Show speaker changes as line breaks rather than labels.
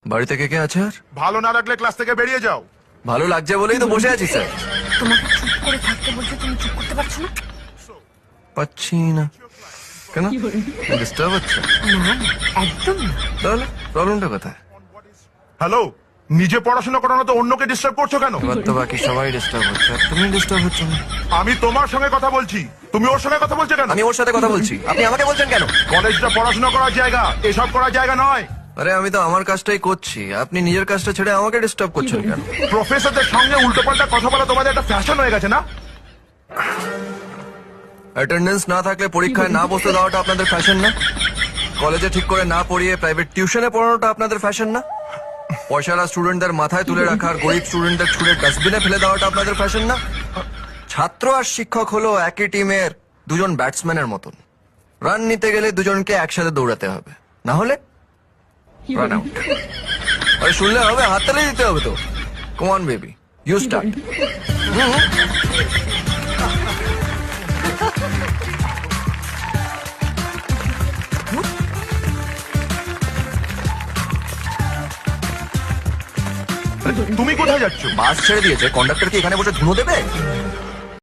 বাড়িতে কে কে আছে আর?
ভালো না লাগলে ক্লাস থেকে বেরিয়ে যাও।
ভালো লাগছে বলেই তো বসে আছি স্যার।
তোমাকে চুপ করে থাকতে বলছে, তুমি চুপ করতে পারছো না?
পাচ্ছি না কেন? ডিস্টার্ব হচ্ছে?
না না, একদম না।
তাহলে প্রবলেমটা কোথায়?
হ্যালো, নিজে পড়াশোনা করানো তো অন্যকে ডিস্টার্ব করছো কেন?
এবার তো বাকি সবাই ডিস্টার্ব হচ্ছে, আর তুমি ডিস্টার্ব হচ্ছে না।
আমি তোমার সঙ্গে কথা বলছি, তুমি ওর সঙ্গে কথা বলছো কেন?
আমি ওর সাথে কথা বলছি, আপনি আমাকে বলছেন কেন?
কলেজটা পড়াশোনা করার জায়গা, এসব করার জায়গা নয়।
আরে আমি তো আমার কাজটাই করছি, আপনি নিজের কাজটা ছেড়ে আমাকে ডিস্টার্ব করছেন কেন?
প্রফেসরদের সঙ্গে উল্টোপাল্টা কথা বলা তোমাদের একটা ফ্যাশন হয়ে গেছে না?
অ্যাটেন্ডেন্স না থাকলে পরীক্ষায় না বসতে দেওয়াটা আপনাদের ফ্যাশন না? কলেজে ঠিক করে না পড়িয়ে প্রাইভেট টিউশনে পড়ানোটা আপনাদের ফ্যাশন না? পয়সারা স্টুডেন্টদের মাথায় তুলে রাখার, গরিব স্টুডেন্টদের ছুঁড়ে ডাস্টবিনে ফেলে দেওয়াটা আপনাদের ফ্যাশন না? ছাত্র আর শিক্ষক হলো একই টিমের দুজন ব্যাটসম্যানের মতন। রান নিতে গেলে দুজনকে একসাথে দৌড়াতে হবে, না হলে রান আউট। আরে শুনলে হবে, হাততালি দিতে হবে তো। Come on baby, you start.
তুমি কোথায় যাচ্ছ?
বাস ছেড়ে দিয়েছে, কন্ডাক্টর কি এখানে বসে ধুনো দেবে?